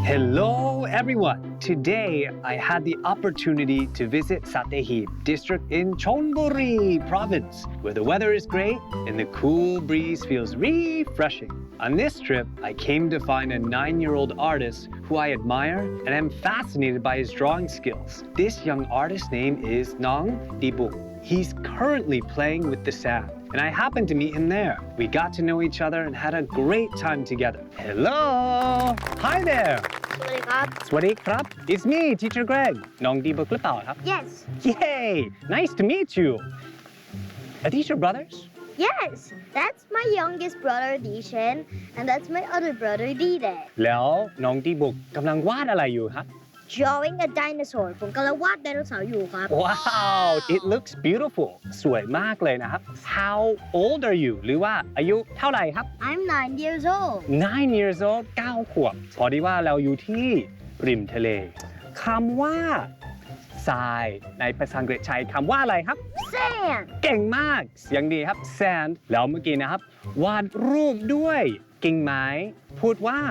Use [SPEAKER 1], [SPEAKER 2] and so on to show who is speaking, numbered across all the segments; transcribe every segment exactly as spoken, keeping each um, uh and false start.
[SPEAKER 1] Hello everyone! Today I had the opportunity to visit Satehib district in Chonburi province where the weather is great and the cool breeze feels refreshing. On this trip, I came to find a nine-year-old artist who I admire and am fascinated by his drawing skills. This young artist's name is Nong Dibu. He's currently playing with the sand, and I happened to meet him there. We got to know each other and had a great time together. Hello! Hi there!
[SPEAKER 2] สวัสดีครับ
[SPEAKER 1] สวัสดีครับ It's me, Teacher Greg. น้องดีบุกหรือเปล่าครับ
[SPEAKER 2] Yes
[SPEAKER 1] Yay! Nice to meet you. Are these your brothers?
[SPEAKER 2] Yes that's my youngest brother Dishan and that's my other brother Dide
[SPEAKER 1] แล้วน้องดีบุกกำลังวาดอะไรอยู่ครับ
[SPEAKER 2] drawing a dinosaur ผมกำลังวาดไดโนเสาร์อยู่ครับ
[SPEAKER 1] Wow! It looks beautiful. สวยมากเลยนะครับ How old are you? หรือว่าอายุเท่าไหร่ครับ
[SPEAKER 2] I'm nine years old
[SPEAKER 1] nine years old เก้าขวบพอดีว่าเราอยู่ที่ริมทะเลคำว่าทรายในภาษาอังกฤษใช้คำว่าอะไรครับ
[SPEAKER 2] sand
[SPEAKER 1] เก่งมากเสียงดีครับ sand แล้วเมื่อกี้นะครับ วาดรูปด้วยกิ่งไม้พูดว่า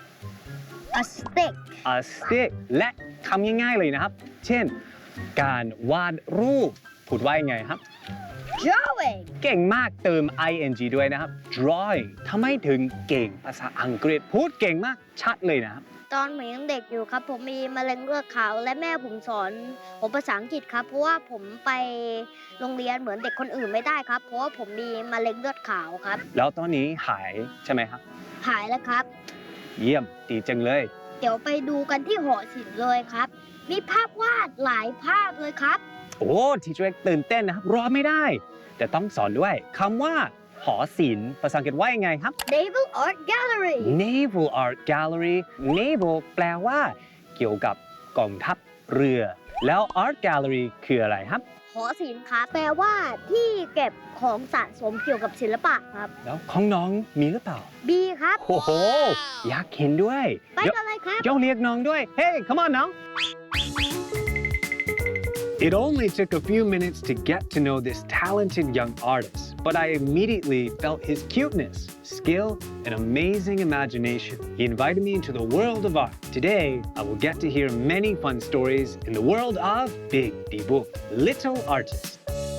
[SPEAKER 2] a stick
[SPEAKER 1] a stick และคำง่ายๆเลยนะครับ เช่น การวาดรูปพูดว่ายังไงครับ
[SPEAKER 2] drawing
[SPEAKER 1] เก่งมากเติม ing ด้วยนะครับ drawing ทำไมถึงเก่งภาษาอังกฤษพูดเก่งมากชัดเลยนะครับ
[SPEAKER 2] ตอนผมยังเด็กอยู่ครับผมมีมะเร็งเลือดขาวและแม่ผมสอนผมภาษาอังกฤษครับเพราะว่าผมไปโรงเรียนเหมือนเด็กคนอื่นไม่ได้ครับเพราะว่าผมมีมะเร็งเลือดขาวครับ
[SPEAKER 1] แล้วตอนนี้หายใช่ไหมครับ
[SPEAKER 2] หายแล้วครับ
[SPEAKER 1] เยี่ยมดีจังเลย
[SPEAKER 2] เดี๋ยวไปดูกันที่หอศิลป์เลยครับ มีภาพวาดหลายภาพเลยครับ
[SPEAKER 1] โอ้ทีเจอร์ตื่นเต้นนะครับรอไม่ได้ แต่ต้องสอนด้วยคำว่าหอศิลป์ภาษาอังกฤษว่ายังไงครับ
[SPEAKER 2] Naval Art Gallery
[SPEAKER 1] Naval Art Gallery Naval แปลว่า เกี่ยวกับกองทัพเรือ แล้ว Art Gallery คืออะไรครับ
[SPEAKER 2] หอศิลป์ครับแปลว่าที่เก็บของสะสมเกี่ยวกับศิลปะครับ
[SPEAKER 1] แล้วของน้องมีหรือเปล่า
[SPEAKER 2] B ครับ
[SPEAKER 1] โอ้โห อยากเห็นด้วย
[SPEAKER 2] ไปกันเลยครับ
[SPEAKER 1] เดี๋ยวเรียกน้องด้วย Hey come on น้อง It only took a few minutes to get to know this talented young artist, but I immediately felt his cuteness, skill, and amazing imagination. He invited me into the world of art. Today, I will get to hear many fun stories in the world of Big Dibu, Little Artist.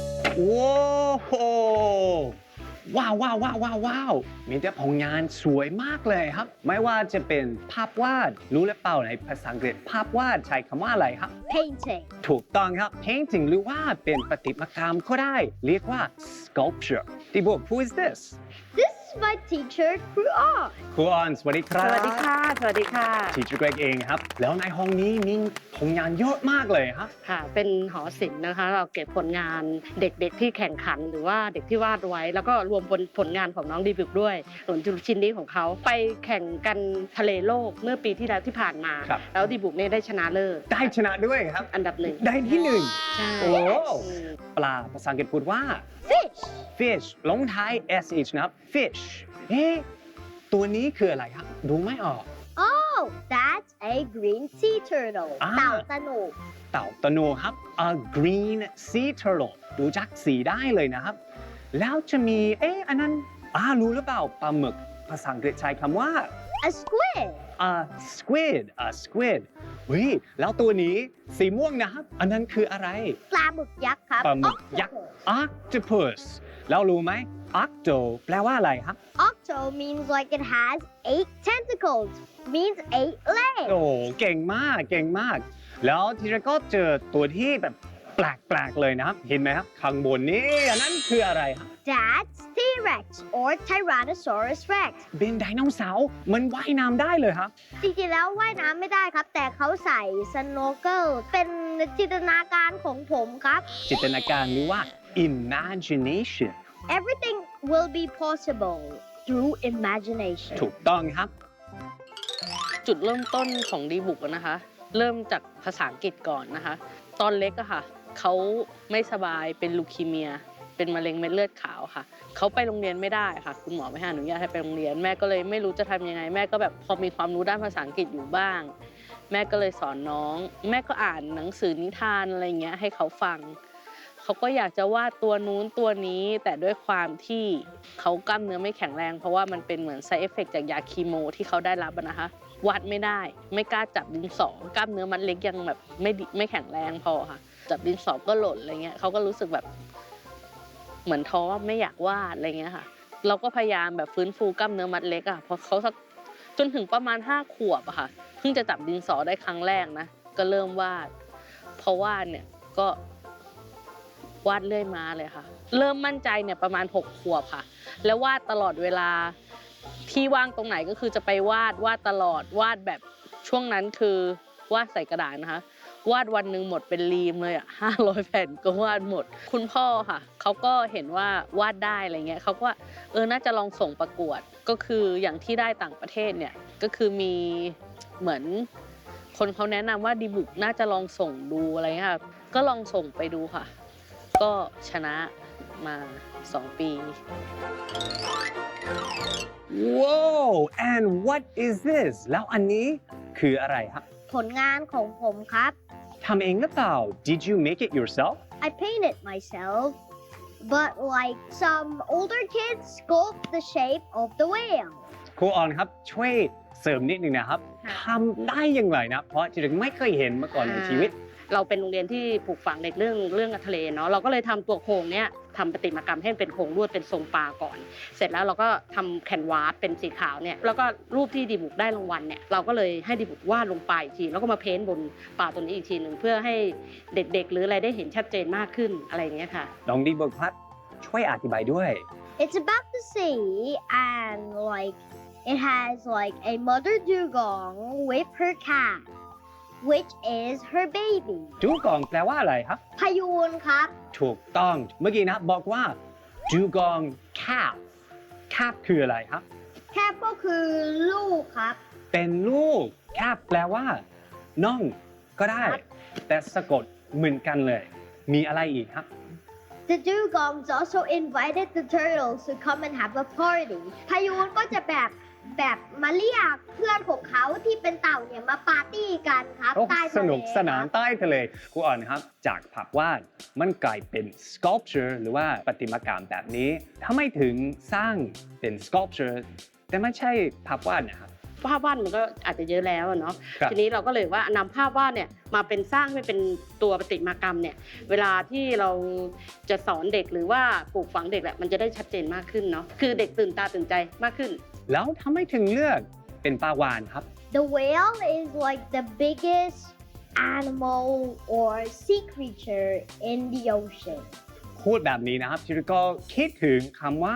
[SPEAKER 1] Whoa! ว้าวว้าวว้าวว้าวว้าวมีแต่ผลงานสวยมากเลยครับไม่ว่าจะเป็นภาพวาดรู้หรือเปล่าในภาษาอังกฤษภาพวาดใช้คำว่าอะไรครับ
[SPEAKER 2] Painting
[SPEAKER 1] ถูกต้องครับ painting หรือว่าเป็นประติมากรรมก็ได้เรียกว่า sculpture ที่บอก who is this
[SPEAKER 2] This is my teacher ครูอ้อ
[SPEAKER 1] ครูออนสวัสดีครับ
[SPEAKER 3] สวัสดีค่ะ สวัสดีค่ะ
[SPEAKER 1] Teacher Greg เองครับแล้วในห้องนี้มีผลงานเยอะมากเลยครับ
[SPEAKER 3] ค่ะ เป็นหอศิลป์นะคะ เราเก็บผลงานเด็กๆที่แข่งขันหรือว่าเด็กที่วาดไว้ แล้วก็รวมผลผลงานของน้องดีบุกด้วยส่วนชิ้นนี้ของเขาไปแข่งกันทะเลโลกเมื่อปีที่แล้วที่ผ่านมา
[SPEAKER 1] ครับ
[SPEAKER 3] แล้วดีบุกเนี่ยได้ชนะเลิศ
[SPEAKER 1] ได้ชนะด้วยครับ
[SPEAKER 3] อันดับหนึ่ง
[SPEAKER 1] ได้ที่หนึ่ง
[SPEAKER 3] ใช่
[SPEAKER 1] โอ้
[SPEAKER 3] อืม
[SPEAKER 1] ปลาภาษาอังกฤษพูดว่า
[SPEAKER 2] Fish
[SPEAKER 1] fish ลงท้าย sh นะครับ fish เอ๊ะตัวนี้คืออะไรครับดูไม่ออก
[SPEAKER 2] Oh that's a green sea turtle
[SPEAKER 1] อ่า
[SPEAKER 2] เต่าตะหนุ
[SPEAKER 1] เต่าตะโนครับ a green sea turtle ดูจากสีได้เลยนะครับ แล้วจะมี เอ๊ะ อันนั้นอ่ารู้หรือเปล่าปลาหมึกภาษาอังกฤษใช้คำว่า
[SPEAKER 2] A squid
[SPEAKER 1] a squid a squid เฮ้ย แล้วตัวนี้สีม่วงนะครับ อันนั้นคืออะไร
[SPEAKER 2] ปลาหมึกยักษ์ครับ
[SPEAKER 1] ปลาหมึกยักษ์ octopus แล้วรู้ไหม octo แปลว่าอะไรครับ
[SPEAKER 2] Octo means like it has eight tentacles means eight legs
[SPEAKER 1] โอ้เก่งมาก เก่งมาก แล้วทีแรกก็เจอตัวที่แบบแปลกๆเลยนะครับ เห็นไหมครับ ข้างบนนี้อันนั้นคืออะไรครับ
[SPEAKER 2] That's T-Rex or Tyrannosaurus Rex
[SPEAKER 1] เป็นไดโนเสาร์มันว่ายน้ำได้เลยครับ
[SPEAKER 2] จริงๆแล้วว่ายน้ำไม่ได้ครับ แต่เขาใส่ snorkel เป็นจินตนาการของผมครับ
[SPEAKER 1] จินตนาการหรือว่า imagination
[SPEAKER 2] Everything will be possible through imagination
[SPEAKER 1] ถูกต้องครับ
[SPEAKER 3] จุดเริ่มต้นของดีบุกอะนะคะ เริ่มจากภาษาอังกฤษก่อนนะคะ ตอนเล็กอะค่ะเขาไม่สบายเป็นลูคีเมีย เป็นมะเร็งเม็ดเลือดขาวค่ะเขาไปโรงเรียนไม่ได้ค่ะ คุณหมอไม่ให้อนุญาตให้ไปโรงเรียนแม่ก็เลยไม่รู้จะทำยังไง แม่ก็แบบพอมีความรู้ด้านภาษาอังกฤษอยู่บ้าง แม่ก็เลยสอนน้อง แม่ก็อ่านหนังสือนิทานอะไรเงี้ยให้เขาฟัง พเขาก็อยากจะวาดตัวนู้นตัวนี้ แต่ด้วยความที่เขากล้ามเนื้อไม่แข็งแรงเพราะว่ามันเป็นเหมือน side effect จากยาคีโมที่เขาได้รับอะนะคะวาดไม่ได้ไม่กล้าจับดินสอกล้ามเนื้อมันเล็กยังแบบไม่ดิไม่แข็งแรงพอค่ะจับดินสอก็หล่นอะไรเงี้ยเขาก็รู้สึกแบบเหมือนท้อไม่อยากวาดอะไรเงี้ยค่ะเราก็พยายามแบบฟื้นฟูกล้ามเนื้อมัดเล็กอะพอเขาสักจนถึงประมาณห้าขวบอะค่ะเพิ่งจะจับดินสอได้ครั้งแรกนะก็เริ่มวาดพอวาดเนี่ยก็วาดเรื่อยมาเลยค่ะเริ่มมั่นใจเนี่ยประมาณหกขวบค่ะแล้ววาดตลอดเวลาที่ว่างตรงไหนก็คือจะไปวาดวาดตลอดวาดแบบช่วงนั้นคือวาดใส่กระดาษนะคะวาดวันหนึ่งหมดเป็นรีมเลยอ่ะห้าร้อยแผ่นก็วาดหมดคุณพ่อค่ะเขาก็เห็นว่าวาดได้อะไรเงี้ยเขาก็ว่าเออน่าจะลองส่งประกวดก็คืออย่างที่ได้ต่างประเทศเนี่ยก็คือมีเหมือนคนเขาแนะนำว่าดีบุกน่าจะลองส่งดูอะไรเงี้ยค่ะก็ลองส่งไปดูค่ะก็ชนะมาสองปี
[SPEAKER 1] Whoa and what is this แล้วอันนี้คืออะไรครับ
[SPEAKER 2] ผลงานของผมครับ
[SPEAKER 1] ทำเองหรือเปล่า Did you make it yourself
[SPEAKER 2] I painted myself but like some older kids sculpt the shape of the whale
[SPEAKER 1] ครูออนครับช่วยเสริมนิดนึงนะครับทำได้อย่างไรนะ เพราะจริงๆไม่เคยเห็นมาก่อนในชีวิต
[SPEAKER 4] เราเป็นโรงเรียนที่ปลูกฝังเด็กเรื่องเรื่องทะเลเนาะเราก็เลยทำตัวโครงเนี้ยทำประติมากรรมให้เป็นโครงลวดเป็นทรงปลาก่อนเสร็จแล้วเราก็ทำแคนวาสเป็นสีขาวเนี่ยแล้วก็รูปที่ดีบุกได้รางวัลเนี่ยเราก็เลยให้ดีบุกวาดลงไปอีกทีแล้วก็มาเพ้นท์บนปลาตัวนี้อีกทีหนึ่งเพื่อให้เด็กๆหรืออะไรได้เห็นชัดเจนมากขึ้นอะไรอย่างเงี้ยค่ะ
[SPEAKER 1] น้องดีบุกครับช่วยอธิบายด้วย
[SPEAKER 2] It's about the sea and like it has like a mother dugong with her cat which is her baby
[SPEAKER 1] ดูกองแปลว่าอะไรครับ
[SPEAKER 2] พยูนครับ
[SPEAKER 1] ถูกต้องเมื่อกี้นะบอกว่าดูกอง calf calf คืออะไรครับ
[SPEAKER 2] แค่ก็คือลูกครับ
[SPEAKER 1] เป็นลูก calf แปลว่าน้องก็ได้ แต่สะกดเหมือนกันเลย มีอะไรอีกครับ
[SPEAKER 2] The dugongs also invited the turtles to come and have a party พายูนก็จะแบบแบบมาเรียกเพื่อนของเขาที่เป็นเต่าเนี่ยมาปาร์ตี้กันครับใต้ทะเล
[SPEAKER 1] สนุกสนานใต้ทะเลครูอ่อนครับจากภาพวาดมันกลายเป็น sculpture หรือว่าประติมากรรมแบบนี้ทำไมถึงสร้างเป็น sculpture แต่ไม่ใช่ภาพวาดนะครับ
[SPEAKER 4] ภาพวาดมันก็อาจจะเยอะแล้วเนาะทีนี้เราก็เลยว่านำภาพวาดเนี่ยมาเป็นสร้างให้เป็นตัวประติมากรรมเนี่ยเวลาที่เราจะสอนเด็กหรือว่าปลูกฝังเด็กแหละมันจะได้ชัดเจนมากขึ้นเนาะคือเด็กตื่นตาตื่นใจมากขึ้น
[SPEAKER 1] แล้วทำไมถึงเลือกเป็นปลาวาฬครับ
[SPEAKER 2] The whale is like the biggest animal or sea creature in the ocean
[SPEAKER 1] พูดแบบนี้นะครับชิริโก็คิดถึงคำว่า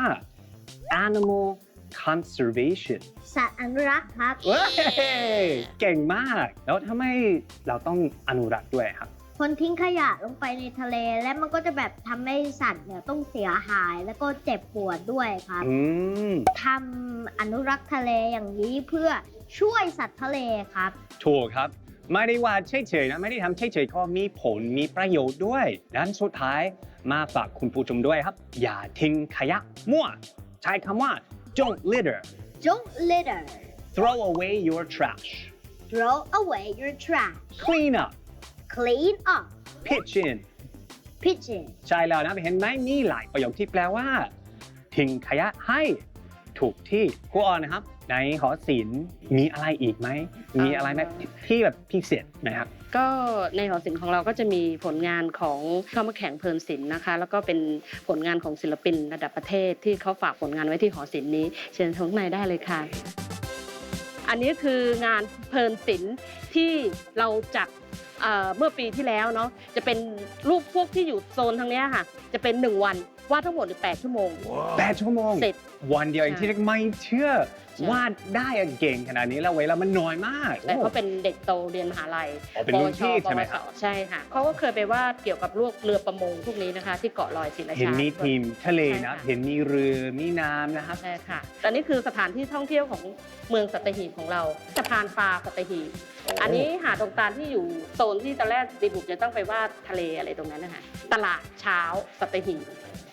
[SPEAKER 1] animal conservation
[SPEAKER 2] สัตว์อนุรักษ์ครับ
[SPEAKER 1] เว้ยเก่งมากแล้วทำไมเราต้องอนุรักษ์ด้วยครับ
[SPEAKER 2] คนทิ้งขยะลงไปในทะเลและมันก็จะแบบทำให้สัตว์เนี่ยต้องเสียหายแล้วก็เจ็บปวดด้วยครับทำอนุรักษ์ทะเลอย่างนี้เพื่อช่วยสัตว์ทะเลครับ
[SPEAKER 1] ถูกครับไม่ได้ว่าเฉยๆนะไม่ได้ทำเฉยๆก็มีผลมีประโยชน์ด้วยดังนั้นสุดท้ายมาฝากคุณผู้ชมด้วยครับอย่าทิ้งขยะมั่วใช้คำว่า don't litter
[SPEAKER 2] don't litter
[SPEAKER 1] throw away your trash
[SPEAKER 2] throw away your trash
[SPEAKER 1] clean up
[SPEAKER 2] clean up
[SPEAKER 1] pitch in
[SPEAKER 2] pitch in
[SPEAKER 1] ใช่แล้วนะเห็นไหมมีหลายประโยคที่แปลว่าทิ้งขยะให้ถูกที่ครูออนนะครับในหอศิลป์มีอะไรอีกไหมมีอะไรไหมที่แบบพิเศษนะครับ
[SPEAKER 4] ก็ในหอศิลป์ของเราก็จะมีผลงานของเข้ามาแข่งเพลินศิลป์นะคะแล้วก็เป็นผลงานของศิลปินระดับประเทศที่เขาฝากผลงานไว้ที่หอศิลป์นี้เชิญชมข้างในได้เลยค่ะอันนี้คืองานเพลินศิลป์ที่เราจัดเมื่อปีที่แล้วเนาะจะเป็นรูปพวกที่อยู่โซนทางนี้ค่ะจะเป็นหนึ่งวันวาดทั้งหมดแปดชั่วโมง
[SPEAKER 1] แปดชั่วโมง
[SPEAKER 4] เสร็จ
[SPEAKER 1] วันเดียวเองที่ไม่เชื่อวาดได้เก่งขนาดนี้แล้วเวลามันน้อยมาก
[SPEAKER 4] แต่เขาเป็นเด็กโตเรียนมหาลัย
[SPEAKER 1] เป็นรุ่นพี่ใช่ไหมครับ
[SPEAKER 4] ใช่ค่ะเขาก็เคยไปวาดเกี่ยวกับพวกเรือประมงพวกนี้นะคะที่เกาะลอยศรีราชา
[SPEAKER 1] เห็นมีทีมทะเลนะเห็นมีเรือมีน้ำนะครับ
[SPEAKER 4] ใช่ค่ะตอนนี้คือสถานที่ท่องเที่ยวของเมืองสัตหีบของเราสะพานปลาสัตหีบอันนี้หาดตรงกลางที่อยู่โซนที่ตอนแรกดีบุกจะต้องไปวาดทะเลอะไรตรงนั้นนะคะตลาดเช้าสัตหีบ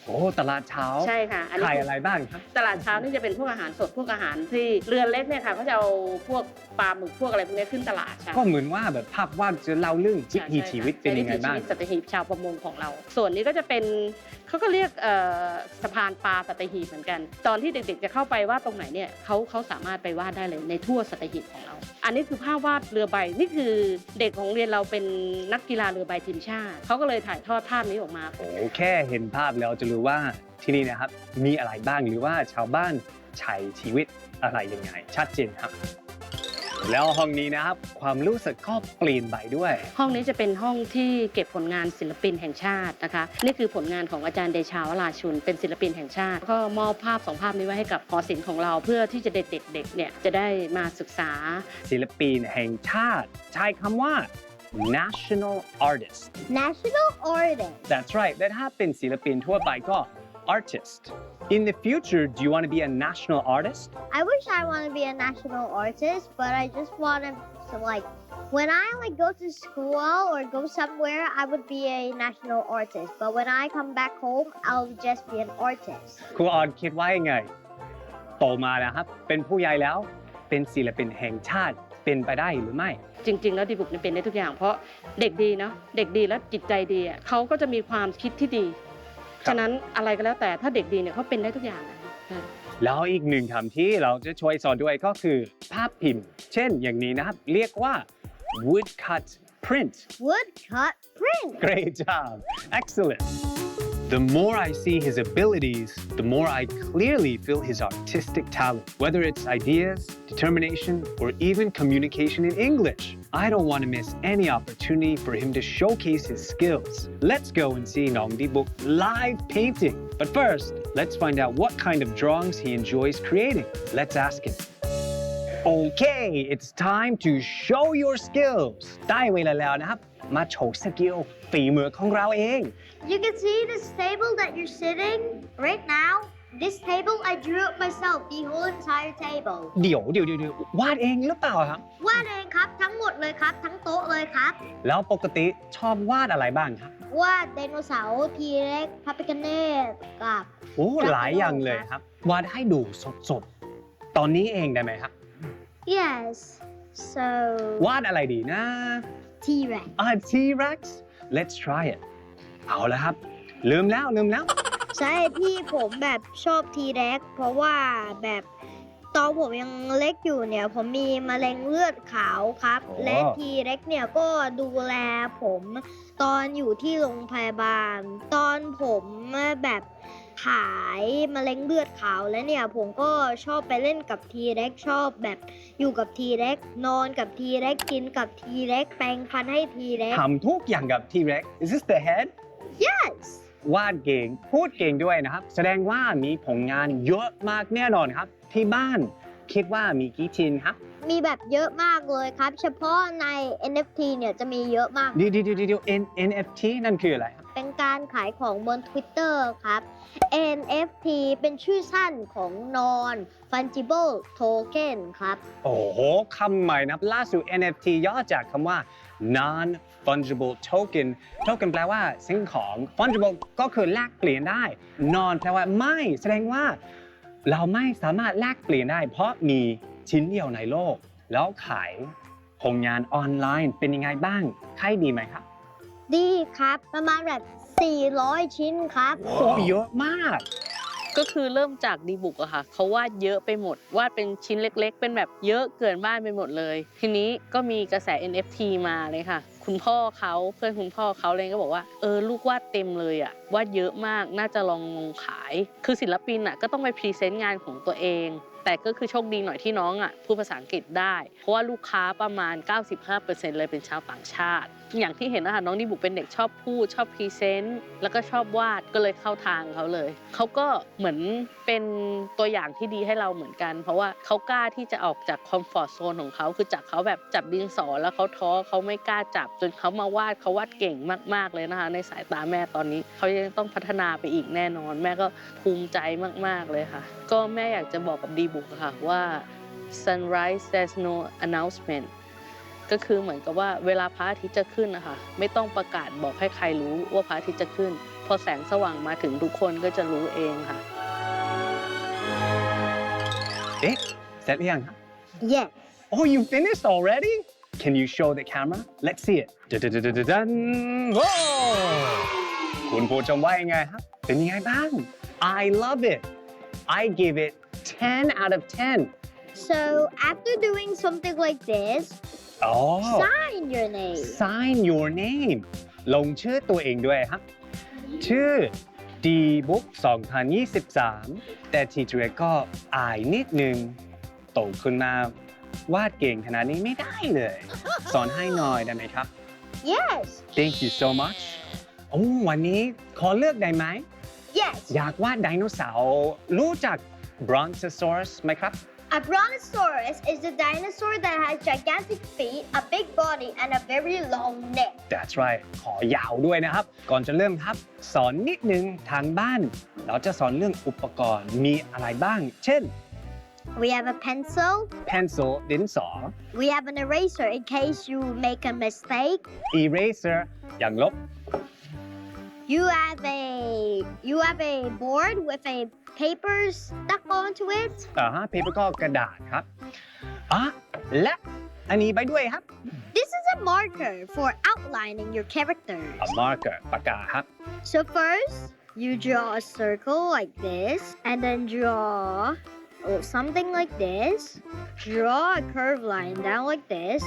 [SPEAKER 1] โอ้ตลาดเช้า
[SPEAKER 4] ใช่ค่ะอันนี้
[SPEAKER 1] ขายอะไรบ้างครับ
[SPEAKER 4] ตลาดเช้านี่จะเป็นพวกอาหารสดพวกอาหารที่เรือนเล็กเนี่ยค่ะเขาจะเอาพวกปลาหมึกพวกอะไรพวกนี้ขึ้นตลาดค่ะ
[SPEAKER 1] ก็เหมือนว่าแบบภาพวาดจะเล่าเรื่องวิถีชีวิตเป็นยังไงบ้าง
[SPEAKER 4] วิถีชีวิตสัตหีบชาวประมงของเรา ส่วนนี้ก็จะเป็นเขาก็เรียกเอ่อสะพานปลาสัตหีบเหมือนกัน ตอนที่เด็กๆจะเข้าไปวาดตรงไหนเนี่ยเขาเขาสามารถไปวาดได้เลยในทั่วสัตหีบของเรา อันนี้คือภาพวาดเรือใบนี่คือเด็กของเรียนเราเป็นนักกีฬาเรือใบทีมชาติเขาก็เลยถ่ายทอดภาพนี้ออกมา
[SPEAKER 1] โอ้แค่เห็นภาพแล้วจะรู้ว่าที่นี่นะครับมีอะไรบ้างหรือว่าชาวบ้านใช้ชีวิตอะไรยังไงชัดเจนครับ แล้วห้องนี้นะครับความรู้สึกก็เปลี่ยนไปด้วย
[SPEAKER 4] ห้องนี้จะเป็นห้องที่เก็บผลงานศิลปินแห่งชาตินะคะนี่คือผลงานของอาจารย์เดชาวราชุนเป็นศิลปินแห่งชาติก็มอบภาพสองภาพนี้ไว้ให้กับหอศิลป์ของเราเพื่อที่จะเด็กๆๆเนี่ยจะได้มาศึกษา
[SPEAKER 1] ศิลปินแห่งชาติใช้คำว่า national artist
[SPEAKER 2] national artist
[SPEAKER 1] that's right และถ้าเป็นศิลปินทั่วไปก็ artist in the future do you want to be a national artist
[SPEAKER 2] I wish I want to be a national artist but I just want to like when I like go to school or go somewhere I would be a national artist but when I come back home I'll just be an artist
[SPEAKER 1] ครูออนคิดว่ายังไงโตมาแล้วครับเป็นผู้ใหญ่แล้วเป็นศิลปินแห่งชาติเป็นไปได้หรือไม่
[SPEAKER 4] จริงๆแล้วดีบุกเนี่ยเป็นได้ทุกอย่างเพราะเด็กดีเนาะเด็กดีแล้วจิตใจดีอ่ะเขาก็จะมีความคิดที่ดีฉะนั้นอะไรก็แล้วแต่ถ้าเด็กดีเนี่ยเขาเป็นได้ทุกอย่างนะ
[SPEAKER 1] แล้วอีกหนึ่งคำที่เราจะช่วยสอนด้วยก็คือภาพพิมพ์เช่นอย่างนี้นะครับเรียกว่า woodcut print
[SPEAKER 2] woodcut print
[SPEAKER 1] great job excellent The more I see his abilities, the more I clearly feel his artistic talent, whether it's ideas, determination, or even communication in English. I don't want to miss any opportunity for him to showcase his skills. Let's go and see Nong Dibuk live painting. But first, let's find out what kind of drawings he enjoys creating. Let's ask him. Okay, it's time to show your skills. ได้เวลาแล้วนะครับมาโชว์สกิลฝีมือของเราเอง
[SPEAKER 2] You can see this table that you're sitting right now. This table I drew it myself, the whole entire table.
[SPEAKER 1] เดี๋ยวเดี๋ยวเดี๋ยววาดเองหรือเปล่าครับ
[SPEAKER 2] วาดเองครับทั้งหมดเลยครับทั้งโต๊ะเลยครับ
[SPEAKER 1] แล้วปกติชอบวาดอะไรบ้างครับ
[SPEAKER 2] วาดไดโนเสาร์ทีเร็กพาปิกาเนตกับ
[SPEAKER 1] โอ้หลายอย่างเลยครับวาดให้ดูสดๆตอนนี้เองได้ไหมครับ
[SPEAKER 2] Yes so
[SPEAKER 1] วาดอะไรดีนะ
[SPEAKER 2] T-Rex
[SPEAKER 1] อ่า T-Rex let's try it เอาแล้วครับลืมแล้วลืมแล้ว
[SPEAKER 2] ใช่ที่ผมแบบชอบ T-Rex เพราะว่าแบบตอนผมยังเล็กอยู่เนี่ยผมมีมะเร็งเลือดขาวครับ
[SPEAKER 1] อ๋อ
[SPEAKER 2] และ T-Rex เนี่ยก็ดูแลผมตอนอยู่ที่โรงพยาบาล ตอนผมแบบหายมะเร็งเลือดขาวแล้วเนี่ยผมก็ชอบไปเล่นกับ T-Rex ชอบแบบอยู่กับ T-Rex นอนกับ T-Rex กินกับ T-Rex แปรงฟันให้ T-Rex
[SPEAKER 1] ทำทุกอย่างกับ T-Rex is this the head
[SPEAKER 2] Yes
[SPEAKER 1] วาดเก่งพูดเก่งด้วยนะครับแสดงว่ามีผลงานเยอะมากแน่นอนครับที่บ้านคิดว่ามีกี่ชิ้นครับ
[SPEAKER 2] มีแบบเยอะมากเลยครับ เฉพาะใน เอ็น เอฟ ที เนี่ยจะมีเยอะมาก
[SPEAKER 1] เดี๋ยวเดี๋ยวเดี๋ยว N- เอ็น เอฟ ที นั่นคืออะไรครับ
[SPEAKER 2] เป็นการขายของบน Twitter ครับ เอ็น เอฟ ที เป็นชื่อสั้นของ Non Fungible Token ครับ
[SPEAKER 1] โอ้โหคำใหม่นะครับล่าสุด เอ็น เอฟ ที ย่อจากคำว่า non fungible token token แปลว่าสิ่งของ fungible ก็คือแลกเปลี่ยนได้ non แปลว่าไม่แสดงว่าเราไม่สามารถแลกเปลี่ยนได้ เพราะมีชิ้นเดียวในโลก แล้วขายผลงานออนไลน์เป็นยังไงบ้างขายดีไหมครับ
[SPEAKER 2] ดีครับ ประมาณแบบ สี่ร้อย ชิ้นครับ
[SPEAKER 1] โอ้เยอะมาก
[SPEAKER 3] ก็คือเริ่มจากดีบุกอะค่ะเขาวาดเยอะไปหมดวาดเป็นชิ้นเล็กๆ เป็นแบบเยอะเกินบ้านไปหมดเลย ทีนี้ก็มีกระแส เอ็น เอฟ ที มาเลยค่ะคุณพ่อเขาเพื่อนคุณพ่อเขาเลยก็บอกว่าเออลูกวาดเต็มเลยอะวาดเยอะมากน่าจะลองลงขายคือศิลปินอะก็ต้องไปพรีเซนต์งานของตัวเองแต่ก็คือโชคดีหน่อยที่น้องอ่ะพูดภาษาอังกฤษได้เพราะว่าลูกค้าประมาณ เก้าสิบห้าเปอร์เซ็นต์ เลยเป็นชาวต่างชาติอย่างที่เห็นนะคะน้องดิบุกเป็นเด็กชอบพูดชอบพรีเซนต์แล้วก็ชอบวาดก็เลยเข้าทางเขาเลยเขาก็เหมือนเป็นตัวอย่างที่ดีให้เราเหมือนกันเพราะว่าเขากล้าที่จะออกจากคอมฟอร์ตโซนของเขาคือจากเขาแบบจับดินสอแล้วเขาท้อเขาไม่กล้าจับจนเขามาวาดเขาวาดเก่งมากๆเลยนะคะในสายตาแม่ตอนนี้เขายังต้องพัฒนาไปอีกแน่นอนแม่ก็ภูมิใจมากๆเลยค่ะก็แม่อยากจะบอกกับดีบุกค่ะว่า sunrise there's no announcement ก็คือเหมือนกับว่าเวลาพระอาทิตย์จะขึ้นนะคะไม่ต้องประกาศบอกให้ใครรู้ว่าพระอาทิตย์จะขึ้นพอแสงสว่างมาถึงทุกคนก็จะรู้เองค่ะ
[SPEAKER 1] เอ๊ะเสร็จหรือยังครับ
[SPEAKER 2] Yes
[SPEAKER 1] Oh, you finished already? Can you show the camera? Let's see it. Dun-dun-dun-dun-dun. Whoa! คุณผู้ชมว่ายังไงครับ เป็นยังไงบ้าง I love it. I give it ten out of ten.
[SPEAKER 2] so after doing something like this
[SPEAKER 1] Oh,
[SPEAKER 2] sign your name
[SPEAKER 1] sign your name. ลงชื่อตัวเองด้วยครับ ชื่อ D-Book สองพันยี่สิบสาม แต่ทีเจก็อายนิดนึง โตขึ้นมาวาดเก่งขนาดนี้ไม่ได้เลย สอนให้หน่อยได้ไหมครับ
[SPEAKER 2] Yes
[SPEAKER 1] Thank you so much โอ้วันนี้ขอเลือกได้ไหม
[SPEAKER 2] Yes
[SPEAKER 1] อยากวาดไดโนเสาร์รู้จัก Brontosaurus ไหมครับ
[SPEAKER 2] A brontosaurus is a dinosaur that has gigantic feet, a big body, and a very long neck.
[SPEAKER 1] That's right ขอยาวด้วยนะครับ ก่อนจะเริ่มครับ สอนนิดนึงทางบ้าน เราจะสอนเรื่องอุปกรณ์มีอะไรบ้าง เช่น
[SPEAKER 2] We have a pencil.
[SPEAKER 1] pencil ดินสอ
[SPEAKER 2] We have an eraser in case you make a mistake.
[SPEAKER 1] eraser อย่างลบ
[SPEAKER 2] You have a you have a board with a paper stuck onto it.
[SPEAKER 1] อ่าฮะ paper ก็กระดาษครับอ่ะและอันนี้ไปด้วยครับ
[SPEAKER 2] This is a marker for outlining your characters.
[SPEAKER 1] a marker ปากกาครับ
[SPEAKER 2] So first, you draw a circle like this, and then draw oh, something like this. Draw a curved line down like this.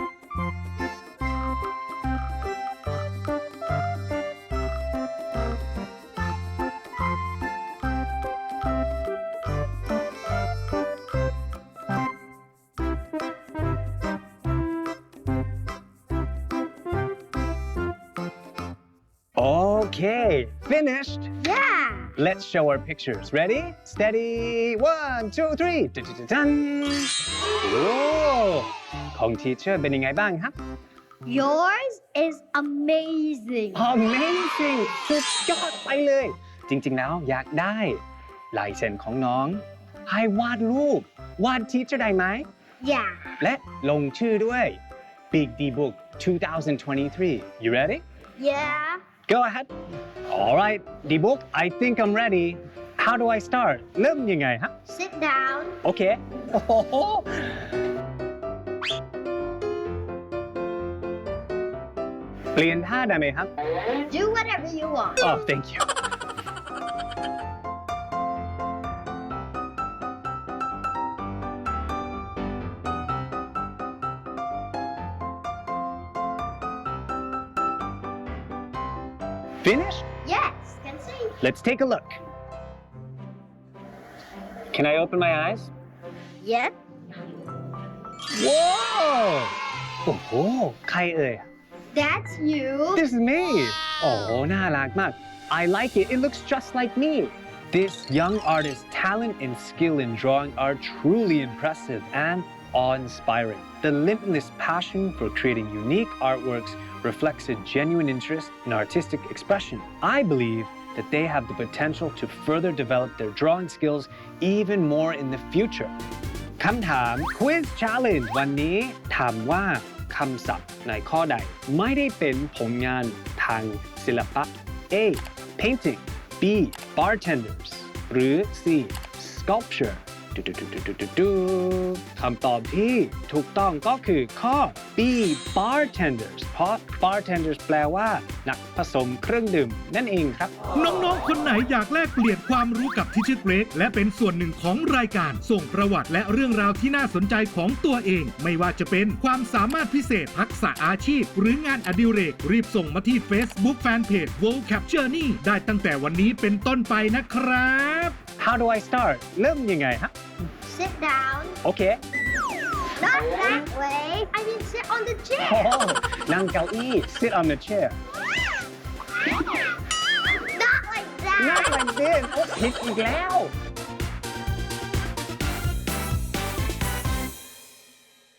[SPEAKER 1] Okay finished
[SPEAKER 2] Yeah.
[SPEAKER 1] Let's show our pictures. Ready? Steady. One, two, three. Dun-dun-dun-dun. โอ้ของทีเชอร์เป็นยังไงบ้างครับ
[SPEAKER 2] Yours is amazing.
[SPEAKER 1] Amazing สุดยอดไปเลย จริงๆแล้วอยากได้ลายเซ็นของน้อง ให้วาดรูป วาดทีเชอร์ได้ไหม
[SPEAKER 2] Yeah.
[SPEAKER 1] และลงชื่อด้วย Big D Book twenty twenty-three. You ready?
[SPEAKER 2] Yeah.
[SPEAKER 1] Go ahead. All right, D-Book, I think I'm ready. How do I start? เริ่มยังไงฮะ
[SPEAKER 2] Sit down.
[SPEAKER 1] โอเคโอ้โหเปลี่ยนท่าได้ไหมครับ
[SPEAKER 2] Do whatever you want.
[SPEAKER 1] Oh, thank you. Finished?
[SPEAKER 2] Yes. Can see.
[SPEAKER 1] Let's take a look. Can I open my eyes?
[SPEAKER 2] Yep.
[SPEAKER 1] Whoa! โอ้โหใครเอ่ย
[SPEAKER 2] That's you.
[SPEAKER 1] This is me. โอ้โหน่ารักมาก I like it. It looks just like me. This young artist's talent and skill in drawing are truly impressive and awe-inspiring. The limitless passion for creating unique artworks reflects a genuine interest in artistic expression. I believe that they have the potential to further develop their drawing skills even more in the future. คำถาม Quiz Challenge วันนี้ถามว่าคำศัพท์ในข้อใดไม่ได้เป็นผลงานทางศิลปะ A. Painting B. Bartenders หรือ C. Sculpture ดูดูดูดูดูดูคำตอบที่ถูกต้องก็คือข้อ B. Bartenders เพราะ Bartenders แปลว่านักผสมเครื่องดื่มนั่นเองครับ
[SPEAKER 5] น้องๆ คนไหนอยากแลกเปลี่ยนความรู้กับทิชเชอร์เกรกและเป็นส่วนหนึ่งของรายการส่งประวัติและเรื่องราวที่น่าสนใจของตัวเอง ไม่ว่าจะเป็นความสามารถพิเศษทักษะอาชีพ หรืองานอดิเรกรีบส่งมาที่ Facebook Fanpage Vocab Journey ได้ตั้งแต่วันนี้เป็นต้นไปนะครับ
[SPEAKER 1] How do I start เริ่มยังไงฮะ
[SPEAKER 2] Sit down.
[SPEAKER 1] โอเค
[SPEAKER 2] Not that way. I mean, sit on the
[SPEAKER 1] โอ้
[SPEAKER 2] chair.
[SPEAKER 1] นั่งเก้าอี้ sit on the chair
[SPEAKER 2] Not like
[SPEAKER 1] not
[SPEAKER 2] that.
[SPEAKER 1] like this โอ้ผิดอีกแล้ว